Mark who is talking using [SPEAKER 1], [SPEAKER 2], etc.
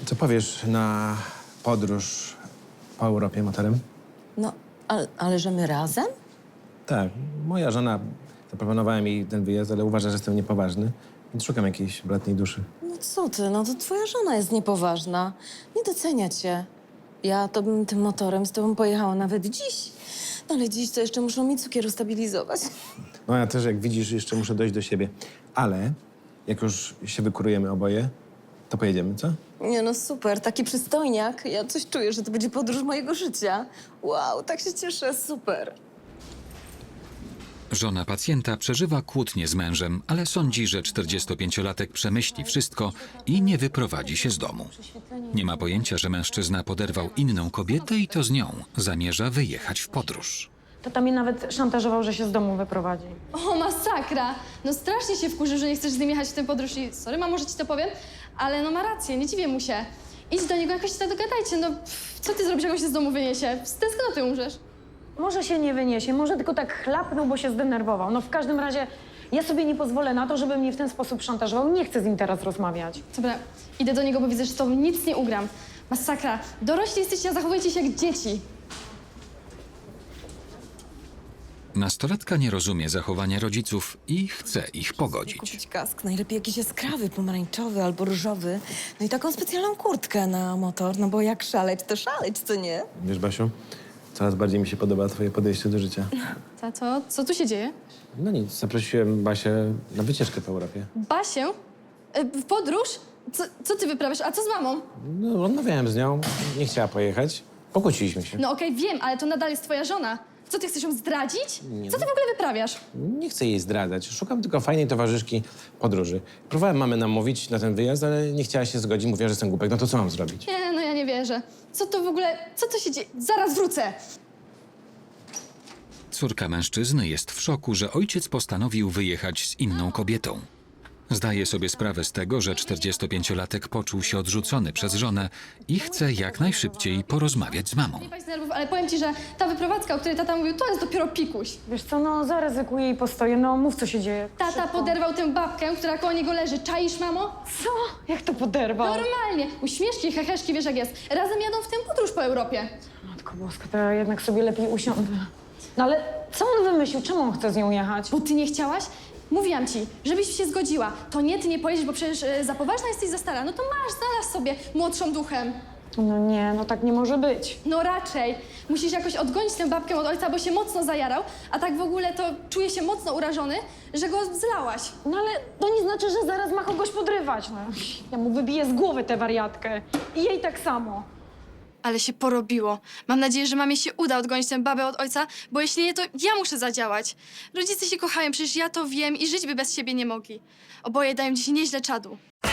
[SPEAKER 1] Co powiesz na podróż po Europie motorem?
[SPEAKER 2] No, ale że my razem?
[SPEAKER 1] Tak, moja żona, zaproponowała mi ten wyjazd, ale uważa, że jestem niepoważny, więc szukam jakiejś bratniej duszy.
[SPEAKER 2] No co ty, no to twoja żona jest niepoważna. Nie docenia cię. Ja to bym tym motorem z tobą pojechała nawet dziś. No ale dziś to jeszcze muszą mi cukier ustabilizować.
[SPEAKER 1] No ja też, jak widzisz, jeszcze muszę dojść do siebie. Ale jak już się wykurujemy oboje, to pojedziemy, co?
[SPEAKER 2] Nie no super, taki przystojniak. Ja coś czuję, że to będzie podróż mojego życia. Wow, tak się cieszę, super.
[SPEAKER 3] Żona pacjenta przeżywa kłótnię z mężem, ale sądzi, że 45-latek przemyśli wszystko i nie wyprowadzi się z domu. Nie ma pojęcia, że mężczyzna poderwał inną kobietę i to z nią zamierza wyjechać w podróż.
[SPEAKER 4] Tata mnie nawet szantażował, że się z domu wyprowadzi.
[SPEAKER 5] O, masakra! No strasznie się wkurzył, że nie chcesz z nim jechać w tę podróż i sorry, mamo, że ci to powiem, ale no ma rację, nie dziwię mu się. Idź do niego, jakoś się dogadajcie, no co ty zrobisz, jak on się z domu wyniesie? Z tęsknoty umrzesz.
[SPEAKER 4] Może się nie wyniesie, może tylko tak chlapnął, bo się zdenerwował. No w każdym razie ja sobie nie pozwolę na to, żeby mnie w ten sposób szantażował. Nie chcę z nim teraz rozmawiać.
[SPEAKER 5] Dobra, idę do niego, bo widzę, że z tobą nic nie ugram. Masakra. Dorośli jesteście, a zachowujecie się jak dzieci.
[SPEAKER 3] Nastolatka nie rozumie zachowania rodziców i chce ich pogodzić.
[SPEAKER 2] Kupić kask, najlepiej jakiś jaskrawy, pomarańczowy albo różowy. No i taką specjalną kurtkę na motor, no bo jak szaleć, to szaleć, co nie?
[SPEAKER 1] Wiesz, Basiu, coraz bardziej mi się podoba twoje podejście do życia.
[SPEAKER 5] Tato, co tu się dzieje?
[SPEAKER 1] No nic, zaprosiłem Basię na wycieczkę po Europie.
[SPEAKER 5] Basię? W podróż? Co ty wyprawiasz? A co z mamą?
[SPEAKER 1] No, rozmawiałem z nią, nie chciała pojechać. Pokłóciliśmy się.
[SPEAKER 5] No okej, wiem, ale to nadal jest twoja żona. Co, ty chcesz ją zdradzić?
[SPEAKER 1] Nie.
[SPEAKER 5] Co ty w ogóle wyprawiasz?
[SPEAKER 1] Nie chcę jej zdradzać. Szukam tylko fajnej towarzyszki podróży. Próbowałem mamę namówić na ten wyjazd, ale nie chciała się zgodzić. Mówiła, że jestem głupek. No to co mam zrobić?
[SPEAKER 5] Nie, no ja nie wierzę. Co to w ogóle, co to się dzieje? Zaraz wrócę!
[SPEAKER 3] Córka mężczyzny jest w szoku, że ojciec postanowił wyjechać z inną kobietą. Zdaje sobie sprawę z tego, że 45-latek poczuł się odrzucony przez żonę i chce jak najszybciej porozmawiać z mamą.
[SPEAKER 5] Nie paść z nerwów, ale powiem ci, że ta wyprowadzka, o której tata mówił, to jest dopiero pikuś.
[SPEAKER 4] Wiesz co, no zaryzykuję i postoję. No mów, co się dzieje.
[SPEAKER 5] Tata
[SPEAKER 4] Szybko.
[SPEAKER 5] poderwał tę babkę, która koło niego leży. Czaisz, mamo?
[SPEAKER 4] Co? Jak to poderwał?
[SPEAKER 5] Normalnie. Uśmieszki, heheszki, wiesz jak jest. Razem jadą w tę podróż po Europie.
[SPEAKER 4] Matko boska, to ja jednak sobie lepiej usiądę. No ale co on wymyślił? Czemu on chce z nią jechać?
[SPEAKER 5] Bo ty nie chciałaś? Mówiłam ci, żebyś się zgodziła. To nie, ty nie pojedziesz, bo przecież za poważna jesteś, za stara. No to masz, znalazł sobie młodszą duchem.
[SPEAKER 4] No nie, no tak nie może być.
[SPEAKER 5] No raczej. Musisz jakoś odgonić tę babkę od ojca, bo się mocno zajarał, a tak w ogóle to czuje się mocno urażony, że go zlałaś.
[SPEAKER 4] No ale to nie znaczy, że zaraz ma kogoś podrywać. No, ja mu wybiję z głowy tę wariatkę. I jej tak samo.
[SPEAKER 5] Ale się porobiło. Mam nadzieję, że mamie się uda odgonić tę babę od ojca, bo jeśli nie, to ja muszę zadziałać. Rodzice się kochają, przecież ja to wiem i żyć by bez siebie nie mogli. Oboje dają dziś nieźle czadu.